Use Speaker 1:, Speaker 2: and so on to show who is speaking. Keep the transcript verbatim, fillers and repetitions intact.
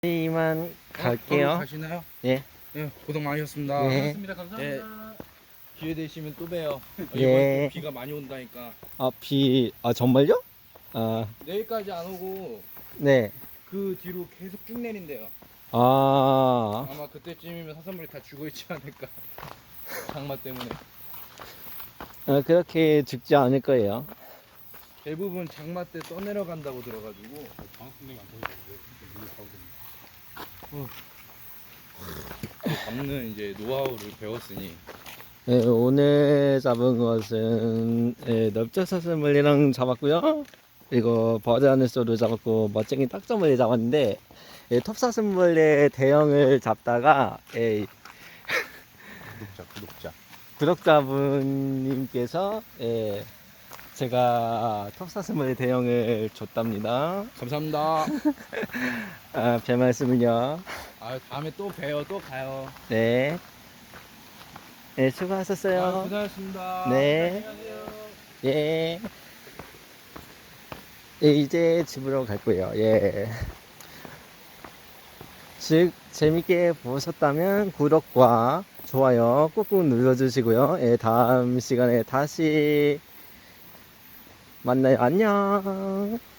Speaker 1: 이만
Speaker 2: 바로
Speaker 1: 갈게요.
Speaker 2: 가시나요?
Speaker 1: 예.
Speaker 2: 네, 고생 많으셨습니다.
Speaker 1: 예.
Speaker 3: 고맙습니다. 감사합니다.
Speaker 2: 기회 되시면 또 봬요.
Speaker 1: 예.
Speaker 2: 이번 또 비가 많이 온다니까.
Speaker 1: 아, 비, 아, 정말요? 아,
Speaker 2: 내일까지 안 오고
Speaker 1: 네.
Speaker 2: 그 뒤로 계속 쭉 내린대요.
Speaker 1: 아,
Speaker 2: 아마 그때쯤이면 사슴물이 다 죽어 있지 않을까. 장마 때문에.
Speaker 1: 어, 그렇게 죽지 않을 거예요.
Speaker 2: 대부분 장마 때 떠내려간다고 들어가지고.
Speaker 3: 방학분들이 안 터지는데 물을 타고
Speaker 2: 잡는 이제 노하우를 배웠으니.
Speaker 1: 예, 오늘 잡은 것은 예, 넓적사슴물이랑 잡았고요. 그리고 버드하늘소를 잡았고 멋쟁이 딱정물이 잡았는데 예, 톱사슴물의 대형을 잡다가 예,
Speaker 2: 구독자, 구독자.
Speaker 1: 구독자분님께서 예, 제가 톱사슴물의 대형을 줬답니다.
Speaker 2: 감사합니다.
Speaker 1: 아, 별 말씀을요.
Speaker 2: 아, 다음에 또 봬요. 또 가요.
Speaker 1: 네. 네,
Speaker 2: 아,
Speaker 1: 수고하셨어요.
Speaker 2: 고생하셨습니다.
Speaker 1: 네.
Speaker 2: 안녕하세요.
Speaker 1: 예. 예, 이제 집으로 갈 거예요. 예. 즉, 재밌게 보셨다면 구독과 좋아요 꾹꾹 눌러주시고요. 예, 다음 시간에 다시 만나요. 안녕.